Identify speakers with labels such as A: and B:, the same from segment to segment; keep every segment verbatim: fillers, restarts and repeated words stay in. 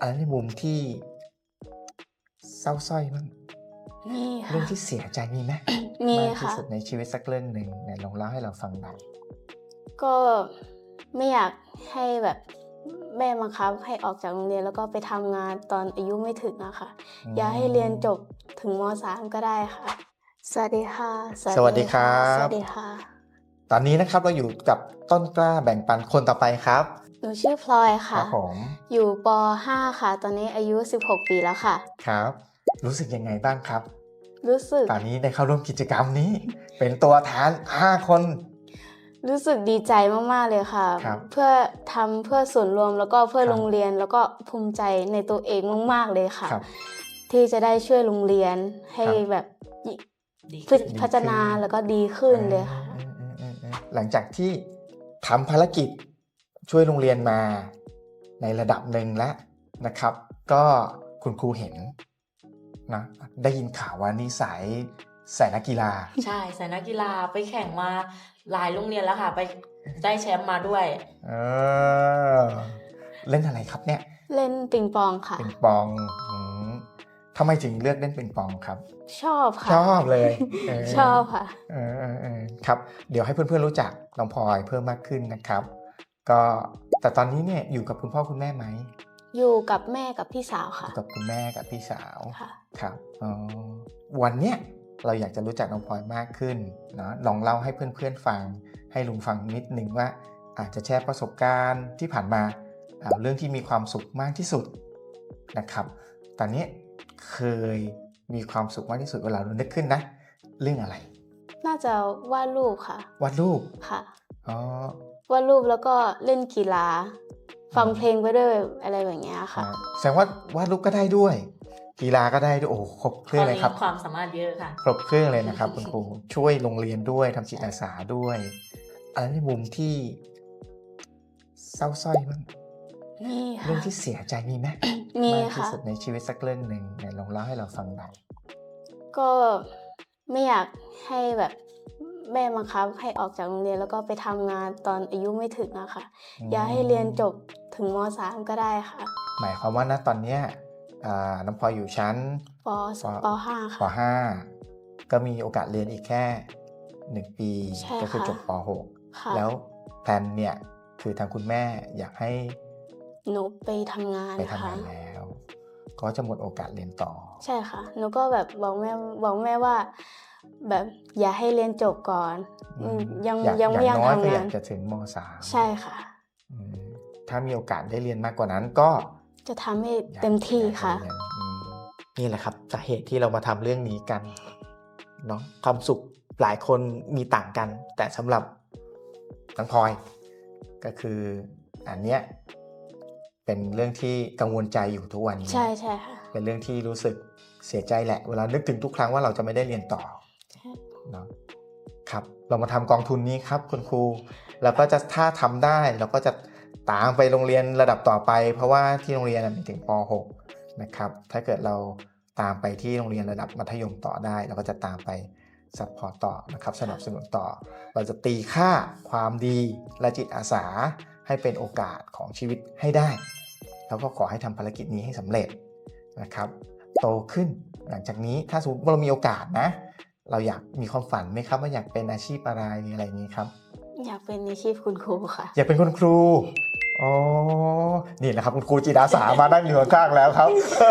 A: อะไรในมุมที่เศร้าสร้อยบ้าง
B: มี
A: เรื่อง
B: ค่ะ
A: ที่เสียใจมีไหม
B: มี
A: มากที่
B: ค่ะ
A: สุดในชีวิตสักเรื่องหนึ่งไหนลองเล่าให้เราฟังหน่อย
B: ก็ไม่อยากให้แบบแม่บังคับให้ออกจากโรงเรียนแล้วก็ไปทำงานตอนอายุไม่ถึงอะค่ะ
A: อืม
B: อยากให้เรียนจบถึงม สาม ก็ได้ค่ะ สวัสดีค่ะ
A: สวัสดีครับ
B: สวัสดีค่ะ
A: ตอนนี้นะครับเราอยู่กับต้นกล้าแบ่งปันคนต่อไปครับ
B: หนูชื่อพลอย
A: ค
B: ค่ะ
A: รับผม
B: อยู่ป ห้า ค่ะ ตอนนี้อายุ สิบหก ปีแล้วค่ะ
A: ครับ รู้สึกยังไงบ้างครับ
B: รู้สึก
A: ตอนนี้ได้เข้าร่วมกิจกรรมนี้ เป็นตัวแทนห้าคน
B: รู้สึกดีใจมากๆเลยค่ะ
A: ครับ
B: เพื่อทำเพื่อส่วนรวมแล้วก็เพื่อ
A: ครับ
B: โรงเรียนแล้วก็ภูมิใจในตัวเองมากๆเลยค่ะ
A: ครับ
B: ที่จะได้ช่วยโรงเรียนให้
A: ครับ
B: แบบยิ
C: ดี
B: พั
C: ขึ้น
B: พัฒนาแล้วก็ดีขึ้นเลยค่ะ
A: อืมๆๆๆหลังจากที่ทำภารกิจช่วยโรงเรียนมาในระดับหนึ่งแล้วนะครับ ก็คุณครูเห็นนะได้ยินข่าวว่านี่สายสายนักกีฬา
C: ใช่สายนักกีฬาไปแข่งมาหลายโรงเรียนแล้วค่ะ ไปได้แชมป์มาด้วย
A: เออเล่นอะไรครับเนี่ย
B: เล่นปิงปองค่ะ
A: ปิงปองอืมทำไมถึงเลือกเล่นปิงปองครับ
B: ชอบค่ะ
A: ชอบเลยเ
B: ชอบค่ะ
A: เออเออเออครับ เดี๋ยวให้เพื่อนๆรู้จักน้องพลอยเพิ่มมากขึ้นนะครับ ก็แต่ตอนนี้เนี่ยอยู่กับคุณพ่อคุณแม่ไหม
B: อยู่กับแม่กับพี่สาว
A: อ
B: ค่ะ
A: ยู่กับคุณแม่กับพี่สาว
B: ค่ะ
A: ครับอ๋อวันเนี้ยเราอยากจะรู้จักน้องพลอยมากขึ้นเนาะลองเล่าให้เพื่อนๆฟังให้ลุงฟังนิดนึงว่าอาจจะแชร์ประสบการณ์ที่ผ่านมาเอาเรื่องที่มีความสุขมากที่สุดนะครับ ตอนนี้เคยมีความสุขมากที่สุดเวลาเรานึกขึ้นนะ เรื่องอะไร
B: น่าจะวาดรูปค่ะ
A: วาดรูป
B: ค่ะ
A: อ๋อ
B: วาดรูปแล้วก็เล่นกีฬา ฟัง
A: อืม
B: เพลงไปด้วยอะไรแบบเนี้ยค่ะ
A: อ่าแสดงว่าวาดรูปก็ได้ด้วย กีฬาก็ได้ด้วยโอ้โหครบเครื่องเลยครับ
C: ตอนนี้ความสามารถเยอะค่ะ
A: ครบเครื่องเลยนะครับ คุณครูช่วยโรงเรียนด้วยทำจิตอาสาด้วยอะไรในมุมที่เศร้าสร้อยบ้าง
B: มี
A: เรื่อ
B: ค่ะ
A: งที่เสียใจมีไหม
B: มี
A: มากที่
B: ค่ะ
A: สุดในชีวิตสักเรื่องหนึ่งไหนลองเล่าให้เราฟังหน่อย
B: ก็ไม่อยากให้แบบแม่บังคับให้ออกจากโรงเรียนแล้วก็ไปทำงานตอนอายุไม่ถึงอะค่ะ อยากให้เรียนจบถึงม สาม ก็ได้ค่ะ
A: หมายความว่าณตอนเนี้ยอ่าน้องพลอยอยู่ชั้น
B: ป ป ห้า
A: ป
B: ค่ะ
A: ห้าก็มีโอกาสเรียนอีกแค่หนึ่งปี
B: ใช่
A: ก็คือ
B: ค่ะ
A: จบปหก
B: ค่ะ
A: แล้วแพลนเนี่ยคือทางคุณแม่อยากให้
B: หนูไปทำงาน
A: ไปทำ
B: ค่ะ
A: งานแล้ว ก็จะหมดโอกาสเรียนต่อ
B: ใช่ค่ะ หนูก็แบบบอกแม่บอกแม่ว่า แบบอย่าให้เรียนจบก่อน
A: อืม
B: ยัง
A: อยาก
B: ยังไม่
A: อ
B: อยาก
A: น้อยก็
B: ทำ
A: อยาง
B: าก น
A: จะถึงมสาม
B: ใช่ค่ะ
A: อืมถ้ามีโอกาสได้เรียนมากกว่านั้นก็
B: จะทำให้
A: อยาก
B: เต็มที่
A: อยากจ
B: ค่ะ
A: เรียนอืมนี่แหละครับสาเหตุที่เรามาทำเรื่องนี้กันเนาะความสุขหลายคนมีต่างกัน แต่สำหรับน้องพลอยก็คืออันเนี้ยเป็นเรื่องที่กังวลใจอยู่ทุกวันนี้
B: ใช่ใช่ค่ะ
A: เป็นเรื่องที่รู้สึกเสียใจแหละ เวลานึกถึงทุกครั้งว่าเราจะไม่ได้เรียนต่อ
B: ใช่
A: เนาะครับเรามาทำกองทุนนี้ครับคุณครูแล้วก็จะถ้าทำได้เราก็จะตามไปโรงเรียนระดับต่อไป เพราะว่าที่โรงเรียนมีถึงปหกนะครับถ้าเกิดเราตามไปที่โรงเรียนระดับมัธยมต่อได้เราก็จะตามไปซัพพอร์ตต่อนะครับสนับสนุนต่อ เราจะตีค่าความดีและจิตอาสาให้เป็นโอกาสของชีวิตให้ได้ แล้วก็ขอให้ทำภารกิจนี้ให้สำเร็จนะครับโตขึ้นหลังจากนี้ถ้าสมมติว่าเรามีโอกาสนะเราอยากมีความฝันไหมครับว่าอยากเป็นอาชีพอะไรอะไรอย่างนี้ครับ
B: อยากเป็นอาชีพคุณครูค่ะ
A: อยากเป็นคุณครูอ๋อนี่แหละครับคุณครูจิตอาสามานั่งอยู่ข้างๆแล้วครับ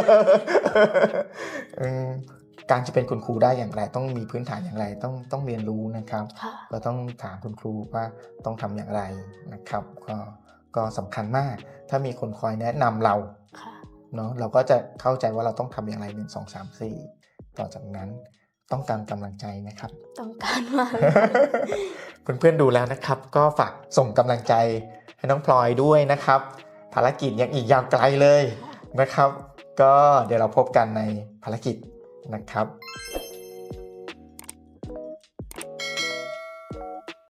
A: อืมการจะเป็นคุณครูได้อย่างไรต้องมีพื้นฐานอย่างไรต้องต้องเรียนรู้นะครับ
B: ค่ะ
A: ก็ต้องถามคุณครูว่าต้องทำอย่างไรนะครับก็ก็สำคัญมาก ถ้ามีคนคอยแนะนำเรา
B: ค่ะ
A: เนาะเราก็จะเข้าใจว่าเราต้องทำอย่างไรหนึ่งสองสามสี่ต่อจากนั้นต้องการกำลังใจนะครับ
B: ต้องการมาก
A: เพื่อนๆดูแล้วนะครับ ก็ฝากส่งกำลังใจให้น้องพลอยด้วยนะครับ ภารกิจยังอีกยาวไกลเลยนะครับ ก็เดี๋ยวเราพบกันในภารกิจนะครับ